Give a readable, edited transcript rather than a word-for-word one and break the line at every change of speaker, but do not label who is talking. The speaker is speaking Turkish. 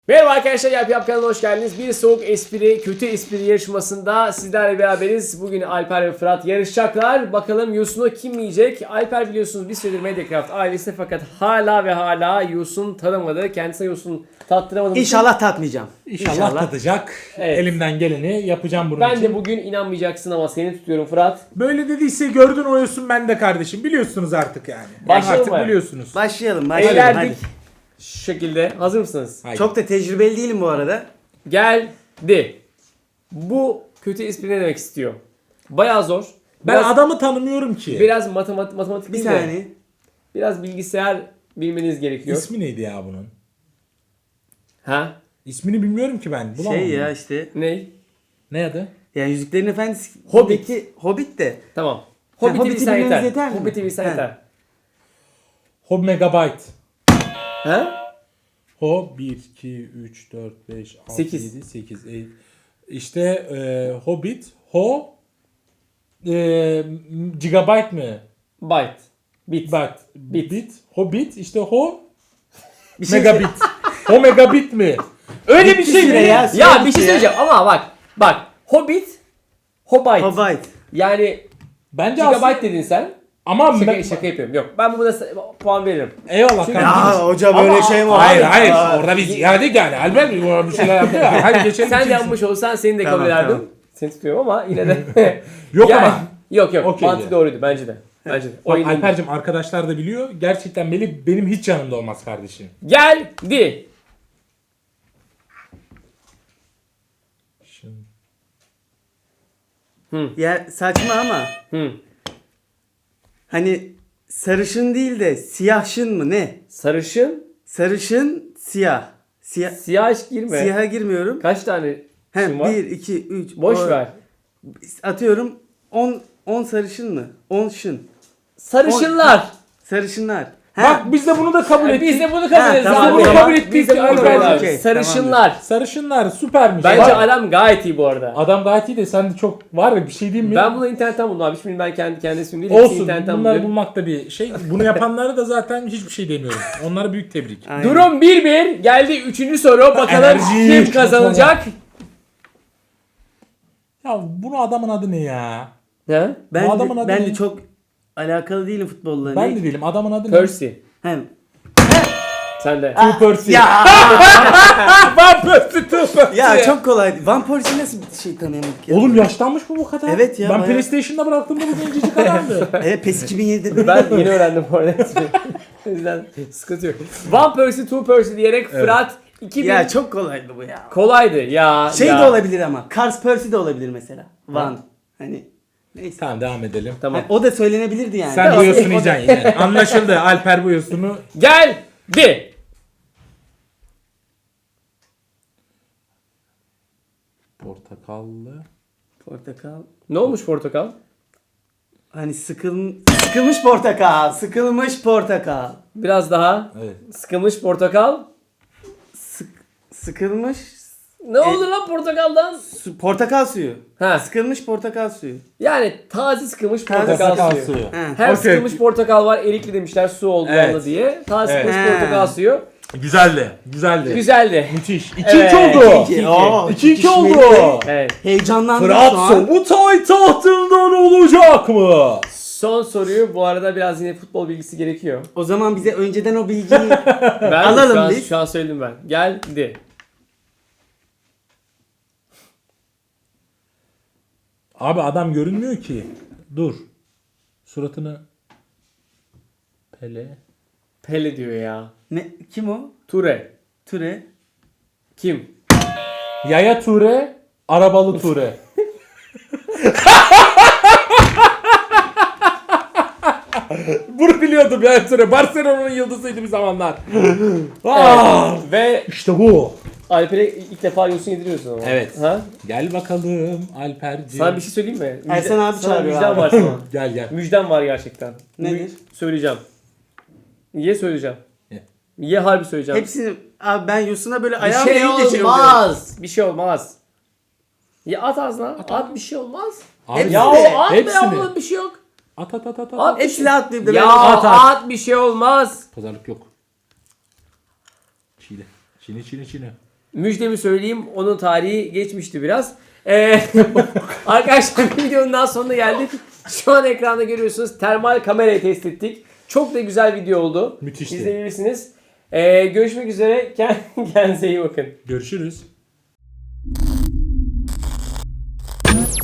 Merhaba arkadaşlar, Yap kanalına hoş geldiniz. Bir soğuk espri, kötü espri yarışmasında sizlerle beraberiz. Bugün Alper ve Fırat yarışacaklar. Bakalım Yosun'u kim yiyecek? Alper biliyorsunuz bir süredir Mediacraft ailesi fakat hala Yosun tanımadı. Kendisine Yosun tattıramadı.
İnşallah tatmayacağım.
İnşallah tadacak.
Evet.
Elimden geleni yapacağım bunun
Ben
için.
de bugün inanmayacaksın ama seni tutuyorum Fırat.
Böyle dediyse gördün oyusun ben de kardeşim. Biliyorsunuz artık yani.
Başlayalım
Artık
mı?
biliyorsunuz.
Başlayalım.
Eğlendik. Şu şekilde. Hazır mısınız?
Haydi.
Çok da tecrübeli değilim bu arada.
Geldi. Bu kötü espri ne demek istiyor? Bayağı zor.
Ben adamı tanımıyorum ki.
Biraz matematik
Bir
değil de
saniye.
biraz bilgisayar bilmeniz gerekiyor.
İsmi neydi ya bunun?
Ha?
İsmini bilmiyorum ki ben. Bulamam
Şey
bunu.
ya işte.
Ne?
Ne adı?
Yani Yüzüklerin Efendisi.
Hobbit.
Hobbit de.
Tamam. Hobbit'i
Hobbit'i
bilsen
bilmeniz
yeter.
yeter mi?
Hobbit'i bilsen
He.
yeter.
Hob Megabyte.
Ha?
Ho 1, 2, 3, 4, 5, 6,
8.
7, 8. İşte Hobbit. Ho Gigabyte mi?
Byte. Bit.
Bit. Hobbit. İşte Ho
Bir şey
Megabit. Ho Megabit mi?
Öyle bir şey
süre
mi?
ya,
Ya,
süre
bir
bitti
şey
ya.
söyleyeceğim ama bak. Hobbit. Hobbit.
Hobbit.
Yani
Bence
gigabyte
aslında...
dedin sen.
Ama
Şaka yapıyorum. Yok. Ben buna puan veririm.
Eyvallah
Çünkü-
kardeşim.
Ya hoca böyle
Ama-
şey mi?
Hayır
Abi?
hayır
Aa,
orada biz geldik yani. Albert bir şeyler yaptı ya. Hadi geçelim.
Sen de
ikinci.
yapmış olsan seni de kabul
Tamam,
ederdim.
tamam.
Seni tutuyorum ama yine de.
Yok
Yani-
ama.
Yok.
Okey
Mantık
ya.
doğruydu bence de. Bence de.
Bak
Oyun iyiydi.
Alper'cim arkadaşlar da biliyor. Gerçekten Melih benim hiç yanımda olmaz kardeşim.
Geldi.
Şimdi...
Ya saçma ama.
Hı.
Hani sarışın değil de siyahşın mı ne?
Sarışın.
Sarışın siyah.
Siyah hiç girme.
Siyaha girmiyorum.
Kaç tane
Hem
şun var?
1, 2, 3.
Boş ver.
Atıyorum 10 sarışın mı? 10 şın.
Sarışınlar.
Sarışınlar.
Bak biz de bunu da kabul ettik.
Biz de bunu kabul ederiz.
tamam,
Biz de bunu
tamam.
kabul ettik.
Biz de bunu kabul
Alper.
ettik.
Sarışınlar.
Sarışınlar süpermiş.
Bence
Bak,
adam gayet iyi bu arada.
adam gayet iyi de sen de çok var ya bir şey diyeyim mi?
Ben bunu internetten buldum abi. Şimdi ben kendi ismim değil. Hepsini
Olsun
internetten
bunları
buldum.
bulmak da bir şey. Bunu yapanlara da zaten hiçbir şey demiyorum. Onlara büyük tebrik.
Aynen.
Durum 1-1. Geldi 3. soru. Bakalım
Enerji.
kim kazanacak?
Ya bunun adamın adı ne ya?
Ha?
Ben
Bu adamın
de,
adı
ben
ne?
de çok alakalı değilim futbolla.
Ben de değilim. Adamın adı ne?
Percy.
Hem.
Sen de.
Two Percy.
Ya
Van Persie, Two Percy.
ya çok kolaydı. Van Persie'yi nasıl bir şey tanıyamadık ya?
Oğlum yaşlanmış mı bu kadar?
Evet ya,
Ben
bayağı.
PlayStation'da bıraktığımda bu gencecik adamdı.
Evet PES 2007'de.
Ben yeni öğrendim bu arada. O yüzden sıkıntı yok. One Percy, two Percy diyerek Fırat 2000
Ya çok kolaydı bu ya.
kolaydı ya.
Şey
ya.
de olabilir ama. Cars Percy de olabilir mesela. Van. Hani neyse.
Tamam devam edelim.
Tamam.
Hani o da söylenebilirdi yani.
Sen
Tamam.
bu yosunu yiyeceksin yine. Anlaşıldı. Alper bu yosunu.
Geldi.
Portakallı.
Portakal.
Ne olmuş portakal?
Hani sıkılmış portakal. Sıkılmış portakal.
Biraz daha.
Evet.
Sıkılmış portakal.
Sıkılmış
Ne oldu lan portakaldan?
portakal suyu.
Ha.
Sıkılmış portakal suyu.
Yani taze sıkılmış
Taze
portakal suyu.
suyu.
Ha.
Hem
Okey.
sıkılmış portakal var, erikli demişler su oldu
Evet.
yanında diye. Taze
Evet.
sıkılmış
Ha.
portakal suyu.
Güzeldi. Güzeldi.
Güzeldi.
Müthiş. 2-2
Evet,
oldu.
2-2.
Oo,
2-2 oldu.
çekişmeli.
Evet.
Heyecanlandım
Fırat
şu an.
Sobutay tahtından olacak mı?
Son soruyu bu arada biraz yine futbol bilgisi gerekiyor.
O zaman bize önceden o bilgiyi
Ben
Alalım
şu an,
biz.
şu an söyledim ben. Geldi.
Abi adam görünmüyor ki. Dur. Suratını Pele.
Pele diyor ya.
ne kim o?
Ture.
Türe.
Kim?
Yaya Ture, arabalı Ture. Bunu biliyordum Yaya Ture. Barcelona'nın yıldızıydı bir zamanlar. Ah!
Ve
İşte bu.
Alper'e ilk defa yosun yediriyorsun ama.
Evet.
Ha?
Gel bakalım Alperciğim.
Sana bir şey söyleyeyim mi?
Ersen abi
sana
çağırıyor
müjdem
abi.
var sana.
Gel gel.
Müjdem var gerçekten.
Nedir?
Söyleyeceğim. Ye söyleyeceğim.
Ye.
Ye harbi söyleyeceğim.
Hepsini abi ben Yosun'a böyle
Bir
ayağım
şey
eğince şey oluyor.
olmaz. Bir şey olmaz. Ya at ağzına. At bir şey olmaz.
Abi,
Hepsini.
Ya o at be
Hepsini.
oğlum bir şey yok.
At.
At.
Hepsini atlayıp da
Ya
ben
at.
at bir şey olmaz.
Pazarlık yok. Çiğne. Çiğne.
Müjdemi söyleyeyim, onun tarihi geçmişti biraz. Arkadaşlar videonun daha sonuna geldik. Şu an ekranda görüyorsunuz, termal kamerayı test ettik. Çok da güzel video oldu.
Müthişti.
İzleyebilirsiniz. Görüşmek üzere. Kendinize iyi bakın.
Görüşürüz.